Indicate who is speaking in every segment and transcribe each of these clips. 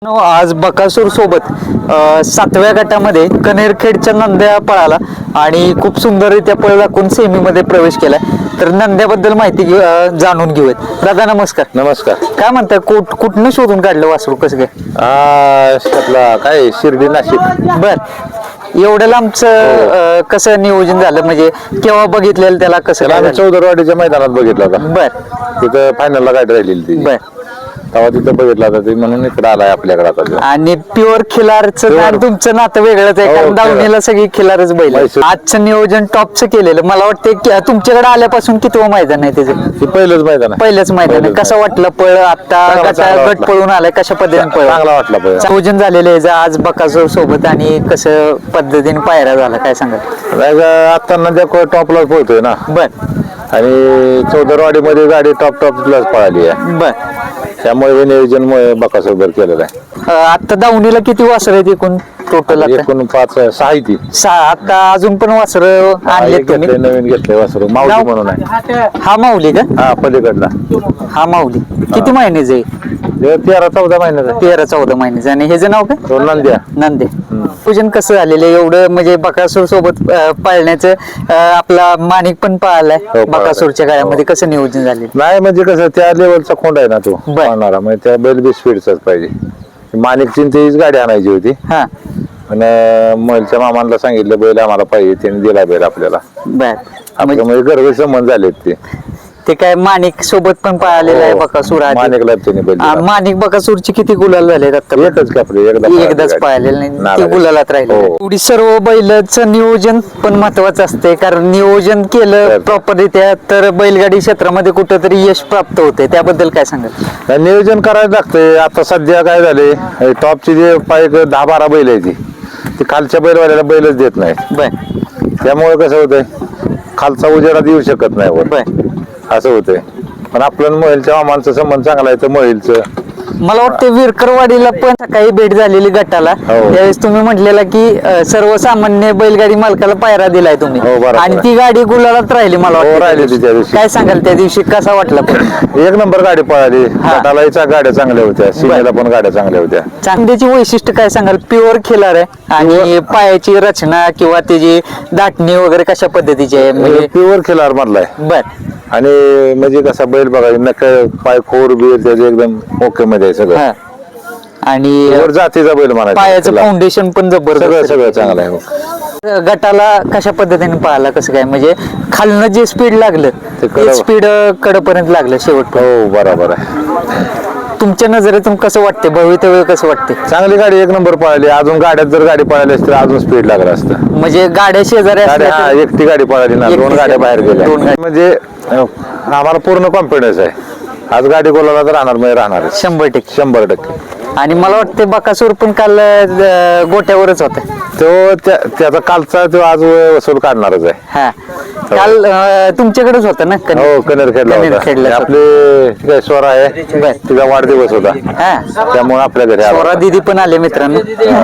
Speaker 1: आज बकासूर सोबत 7व्या गटामध्ये कनेरखेडच्या नंद्या पळाला आणि खूप सुंदररित्या पळ दाखवून सेमीमध्ये प्रवेश केला. तर नंद्याबद्दल माहिती जाणून घेऊयात. दादा नमस्कार.
Speaker 2: नमस्कार.
Speaker 1: काय म्हणताय, कुठनं शोधून काढलं वासरू, कसं काय?
Speaker 2: काय शिर्डी नाशिक.
Speaker 1: बर, एवढं लांबचं कसं नियोजन झालं, म्हणजे केव्हा बघितलेलं त्याला, कसं काय झालं?
Speaker 2: चौदरवाडीच्या मैदानात बघितला होता.
Speaker 1: बर,
Speaker 2: तिथं फायनलला गाडी राहिलेली ती.
Speaker 1: बर.
Speaker 2: तेव्हा तिथं बघितला होता ते, म्हणून इकडे आलाय आपल्याकडे आता तो.
Speaker 1: आणि प्युअर खिलारचं आणि तुमचं नातं वेगळंच आहे,
Speaker 2: हो,
Speaker 1: कारण दावणीला सगळी खिलारच बैल आहे. आजचं नियोजन टॉपचं केलेलं. मला वाटतं तुमच्याकडे आल्यापासून कितवं मैदान आहे त्याचं?
Speaker 2: ते पहिलंच मैदान आहे.
Speaker 1: पहिलंच मैदान आहे. कसं वाटलं पळ? आता
Speaker 2: चांगला
Speaker 1: गट पळून आलाय, कशा पद्धतीने पळ?
Speaker 2: चांगला वाटला पळ.
Speaker 1: नियोजन झालेलं आहे आज बकासूर सोबत, आणि कसं पद्धतीने पायरा झाला, काय सांगाल?
Speaker 2: आता नंद्या टॉपलाच पोहतोय ना.
Speaker 1: बर,
Speaker 2: आणि चौदरवाडीमध्ये गाडी टॉपलाच पळाली आहे.
Speaker 1: बर.
Speaker 2: त्यामुळे हे नियोजन बकासोबत केलेलं आहे.
Speaker 1: आता दावणीला किती वासर आहेत एकूण टोटल? आता
Speaker 2: एकूण 5-6 आहे ती.
Speaker 1: 6. आता अजून पण वासर आणलेत तुम्ही?
Speaker 2: नवीन घेतले वासरू माऊली म्हणून आहे.
Speaker 1: हा माऊली का?
Speaker 2: हा, पलीकडला.
Speaker 1: हा माऊली किती महिन्याचं आहे?
Speaker 2: 13-14 महिन्याचा.
Speaker 1: 13-14 महिन्याचं. आणि ह्याचं नाव काय?
Speaker 2: तो नंद्या.
Speaker 1: नंदे. पूजन कसं झालेलं आहे एवढं, म्हणजे बकासूर सोबत पाळण्याचं? आपला माणिक पण पाळलाय बकासूरच्या काळामध्ये. कसं नियोजन झालेलं?
Speaker 2: नाही म्हणजे कसं, त्या लेवलचा खोंड आहे ना तो
Speaker 1: बर.
Speaker 2: पाळणारा, म्हणजे त्या बैल बी स्पीडचाच पाहिजे. माणिकची तीच गाडी आणायची होती.
Speaker 1: हा,
Speaker 2: आणि महलच्या मामांना सांगितलं बैल आम्हाला पाहिजे, त्याने दिला बैल आपल्याला.
Speaker 1: बर.
Speaker 2: आपल्या म्हणजे गर्भ संबंध झालेत
Speaker 1: ते काय माणिक सोबत पण पाळलेलं आहे बकासूर आधी?
Speaker 2: माणिकला त्याने बैल दिला.
Speaker 1: माणिक बकासूरची किती गुलाल झाले आता?
Speaker 2: एकच कापले,
Speaker 1: एकदाच पाळलेलं नाही, ते गुलालात राहिले.
Speaker 2: हो.
Speaker 1: एवढी सर्व बैलाचं नियोजन पण महत्वाचं असते, कारण नियोजन केलं प्रॉपररित्या तर बैलगाडी क्षेत्रामध्ये कुठंतरी यश प्राप्त होते. त्याबद्दल काय सांगाल?
Speaker 2: नियोजन करायला लागतंय. आता सध्या काय झाले, टॉपची जे पाय 10-12 बैल आहे ती खालच्या बैलवाल्याला बैलच देत नाही.
Speaker 1: बर,
Speaker 2: त्यामुळे कसं होतंय, खालचा उजेडात येऊ शकत नाही वर,
Speaker 1: बर.
Speaker 2: असं होतंय. पण आपलं महिलच्या मामांचा संबंध चांगला आहे, तर महिलचं.
Speaker 1: मला वाटतं विरकरवाडीला पण सकाळी भेट झालेली गटाला,
Speaker 2: हो.
Speaker 1: त्यावेळेस तुम्ही म्हटलेला की सर्वसामान्य बैलगाडी मालकाला पायरा दिलाय तुम्ही,
Speaker 2: हो, बरोबर.
Speaker 1: आणि ती गाडी गुलालात राहिली. मला
Speaker 2: हो,
Speaker 1: वाटतं
Speaker 2: राहिली
Speaker 1: त्या
Speaker 2: त्या
Speaker 1: दिवशी.
Speaker 2: दिवशी.
Speaker 1: काय सांगाल त्या दिवशी कसा वाटला पण?
Speaker 2: एक नंबर गाडी पळाली. गटाला गाड्या चांगल्या होत्या, सीमेला पण गाड्या चांगल्या होत्या.
Speaker 1: चांगल्याची वैशिष्ट्य काय सांगाल? प्युअर खिलार आहे, आणि पायाची रचना किंवा त्याची दाटणी वगैरे कशा पद्धतीची आहे? म्हणजे
Speaker 2: प्युअर खिलार मधलाय.
Speaker 1: बर.
Speaker 2: आणि म्हणजे कसा बैल बघा, नक पाय खोर बीर त्याचे एकदम ओके मध्ये आहे सगळं.
Speaker 1: हा. आणि
Speaker 2: वर जातीचा बैल म्हणायचा.
Speaker 1: पायाचं फाउंडेशन पण जबरदस्त.
Speaker 2: सगळं चांगलं आहे.
Speaker 1: गटाला कशा पद्धतीने पाहिला, कसं काय, म्हणजे खालनं जे स्पीड लागलं ते स्पीड कडपर्यंत लागलं शेवट?
Speaker 2: हो, बरोबर आहे.
Speaker 1: तुमच्या नजरेतून कसं वाटते, भवितव्य कसं वाटते?
Speaker 2: चांगली गाडी एक नंबर पळाली. अजून गाड्यात जर गाडी पळाली असती तर अजून स्पीड लागलं असतं.
Speaker 1: म्हणजे गाड्या शेजारी असल्या तर-
Speaker 2: एकटी गाडी पळाली ना, 2 गाड्या बाहेर गेल्या. म्हणजे आम्हाला पूर्ण कॉन्फिडन्स आहे, आज गाडी गोलाला तर राहणार म्हणजे राहणार
Speaker 1: 100%.
Speaker 2: 100%.
Speaker 1: आणि मला वाटते बकासूर पण काल गोट्यावरच होता.
Speaker 2: त्याचा कालचा तो आज वसूल काढणारच आहे.
Speaker 1: हा, काल तुमच्याकडेच होता ना?
Speaker 2: हो, कनेरखेडला होता. आपले काय स्वरा आहे, तिचा वाढदिवस होता, त्यामुळे आपल्या घरी
Speaker 1: स्वरा दिदी पण आले मित्रांनो.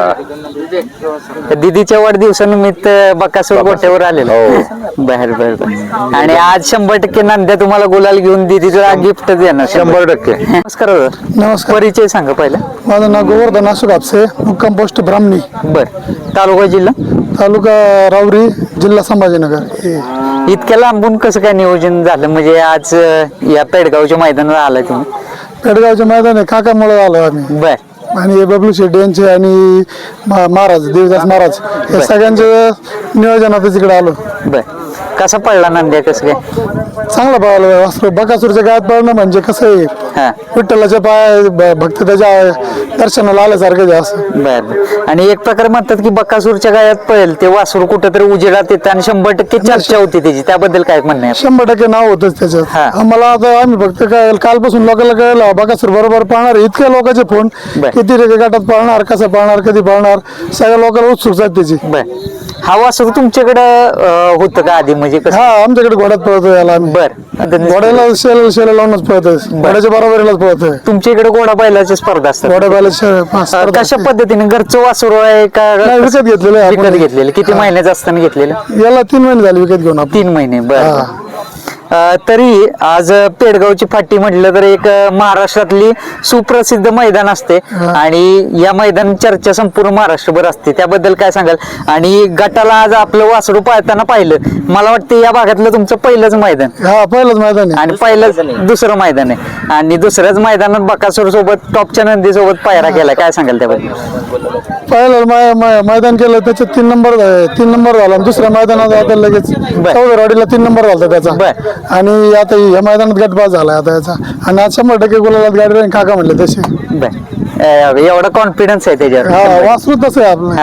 Speaker 1: दिदीच्या वाढदिवसानिमित्त बकासूर गोट्यावर आलेला. बर बर बर. आणि आज 100% नंद्या तुम्हाला गुलाल घेऊन दिदीला गिफ्ट देणार
Speaker 2: 100%.
Speaker 1: नमस्कार.
Speaker 3: नमस्कार.
Speaker 1: परिचय सांगा पहिला.
Speaker 3: माझं नाव गोवर्धन असू कापसे, मुक्काम पोस्ट ब्राह्मणी.
Speaker 1: बर. तालुका जिल्हा?
Speaker 3: तालुका राऊरी, जिल्हा संभाजीनगर.
Speaker 1: इतक्या लांबून कसं काय नियोजन झालं, म्हणजे आज या पेडगावच्या मैदानाला आलाय तुम्ही?
Speaker 3: पेडगावच्या मैदान काकामुळे आलो आम्ही.
Speaker 1: बर.
Speaker 3: आणि बबलू शेट्टी यांचे आणि महाराज देवदास महाराज या सगळ्यांच्या नियोजनात तिकडे आलो.
Speaker 1: बर. कसा पडला नंद्या, कसं काय?
Speaker 3: चांगला पळालो. वासरू बकासूरच्या गायात पळणं म्हणजे कसं आहे,
Speaker 1: हा.
Speaker 3: विठ्ठलाच्या पाय भक्त त्याच्या दर्शनाला आल्यासारखं आहे असं.
Speaker 1: बर. आणि एक प्रकार म्हणतात की बकासूरच्या गायात पळेल ते वासरू कुठेतरी उजेडात येतं, आणि 100% चर्चा होती त्याची. त्याबद्दल काय म्हणणं आहे?
Speaker 3: 100% नाव होतच
Speaker 1: हा.
Speaker 3: त्याच्यात. आम्हाला आता आम्ही फक्त काय कालपासून लोकांना कळलं बकासूर बरोबर पाळणार. इतक्या लोकांचे फोन, किती रे गटात पाळणार, कसं पाळणार, कधी पाळणार, सगळ्या लोकांना उत्सुकता आहे त्याची.
Speaker 1: बर. हा वासरू तुमच्याकडं होतं का आधी, म्हणजे कसं?
Speaker 3: हा, आमच्याकडे घोड्यात पळतो याला आम्ही.
Speaker 1: बर.
Speaker 3: घोड्याला शेला लावूनच पळतोय, घोड्याच्या बरोबरीलाच पळतोय.
Speaker 1: तुमच्या इकडे घोडा बैलाची स्पर्धा असतात?
Speaker 3: घोड्या बैला
Speaker 1: कशा पद्धतीने? घरचं वासरू आहे का
Speaker 3: विकत घेतलेलं आहे?
Speaker 1: विकत घेतलेलं? किती महिन्याचं असताना घेतलेलं?
Speaker 3: याला 3 महिने झाले विकत घेऊन आपण.
Speaker 1: 3 महिने. बर. तरी आज पेडगावची फाटी म्हटलं तर एक महाराष्ट्रातली सुप्रसिद्ध मैदान असते आणि या मैदान चर्चा संपूर्ण महाराष्ट्रभर असते, त्याबद्दल काय सांगाल? आणि गटाला आज आपलं वासरू पाळताना पाहिलं, मला वाटतं या भागातलं तुमचं पहिलंच मैदान.
Speaker 3: हा पहिलंच मैदान आहे.
Speaker 1: आणि पहिलंच दुसरं मैदान आहे आणि दुसऱ्याच मैदानात बकासूर सोबत टॉपच्या नंदी सोबत पायरा केला, काय सांगाल त्याबद्दल?
Speaker 3: पहिलं मैदान केलं त्याच्यात 3 नंबर झाला. दुसऱ्या मैदानात आता लगेच चौदरवाडीला 3 नंबर झाला त्याचा. आणि आता या मैदानात गटपास झाला आता याचा. आणि आज 100% गुलालात गाडी राहील काका म्हणले तसे.
Speaker 1: एवढा कॉन्फिडन्स आहे त्याच्यावर.
Speaker 3: हा वासरू तसं आहे आपलं.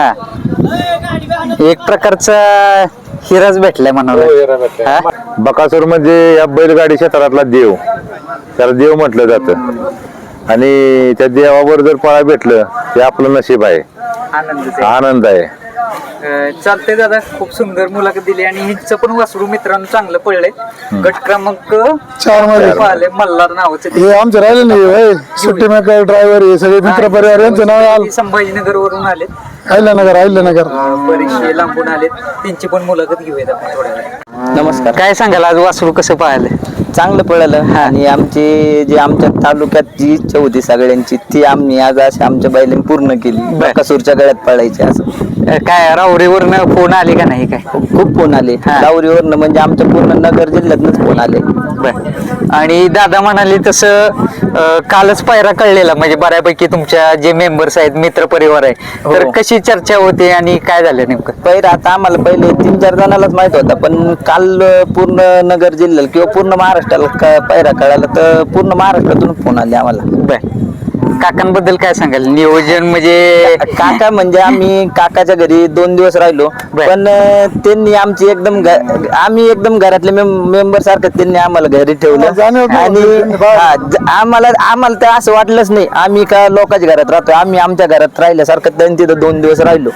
Speaker 1: हा एक प्रकारचा हिराच भेटलाय म्हणाला.
Speaker 2: बकासूर म्हणजे या बैलगाडी क्षेत्रातला देव, त्याला देव म्हटलं जातं. आणि त्या देवावर जर पळा भेटलं ते आपलं नशीब आहे, आनंद आहे.
Speaker 1: चालतंय दादा, खूप सुंदर मुलाखत दिली आणि हिचं पण वासरू मित्रांनो चांगलं पडलंय. गट क्रमांक
Speaker 3: 4 मध्ये
Speaker 1: पाहिले मल्हार नावाचं.
Speaker 3: हे आमचे राहिले नाही सुट्टी मेकर ड्रायव्हर हे सगळे मित्र परिवार यांचं नाव आलं.
Speaker 1: संभाजीनगर वरून आले,
Speaker 3: अहिल्यानगर
Speaker 1: बरेचसे लांबून आले, त्यांची पण मुलाखत घेऊयात आपण थोड्या वेळात.
Speaker 4: नमस्कार.
Speaker 1: काय सांगाल आज वासरू कसं पाहिलं?
Speaker 4: चांगलं पळालं आणि आमच्या तालुक्यात जी इच्छा होती सगळ्यांची ती आम्ही आज अशी आमच्या बैलांनी पूर्ण केली. बकासूरच्या गळ्यात पळायचे असं.
Speaker 1: काय राहुरीवरनं फोन आले का नाही? काय
Speaker 4: खूप फोन आले लावरीवरनं, म्हणजे आमच्या पूर्ण नगर जिल्ह्यातनंच फोन आले.
Speaker 1: आणि दादा म्हणाले तसं कालच पायरा कळलेला, म्हणजे बऱ्यापैकी तुमच्या जे मेंबर्स आहेत, मित्र परिवार आहे, तर कशी चर्चा होते आणि काय झालं नेमकं?
Speaker 4: पहिला आता आम्हाला पहिले 3-4 जणांनाच माहित होता, पण काल पूर्ण नगर जिल्ह्याला किंवा पूर्ण महाराष्ट्राला पायरा कळाला, तर पूर्ण महाराष्ट्रातून फोन आले आम्हाला.
Speaker 1: काकांबद्दल काय सांगाल? नियोजन म्हणजे
Speaker 4: काका म्हणजे आम्ही काकाच्या घरी 2 दिवस राहिलो, पण त्यांनी आमची आम्ही एकदम घरातले मेंबर सारखं त्यांनी आम्हाला घरी ठेवलं. आणि आम्हाला तर असं वाटलंच नाही आम्ही का लोकांच्या घरात राहतो, आम्ही आमच्या घरात राहिल्यासारखं त्यांनी तिथं 2 दिवस राहिलो.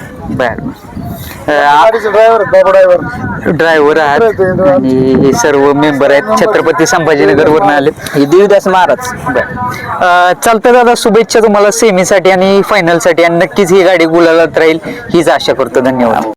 Speaker 1: ड्रायव्हर आहात आणि हे सर्व मेंबर आहेत छत्रपती संभाजीनगर वरून आले.
Speaker 4: हे देवदास महाराज.
Speaker 1: चालतं दादा, शुभेच्छा तुम्हाला सेमीसाठी आणि फायनलसाठी, आणि नक्कीच ही गाडी गुलालात राहील हीच आशा करतो. धन्यवाद.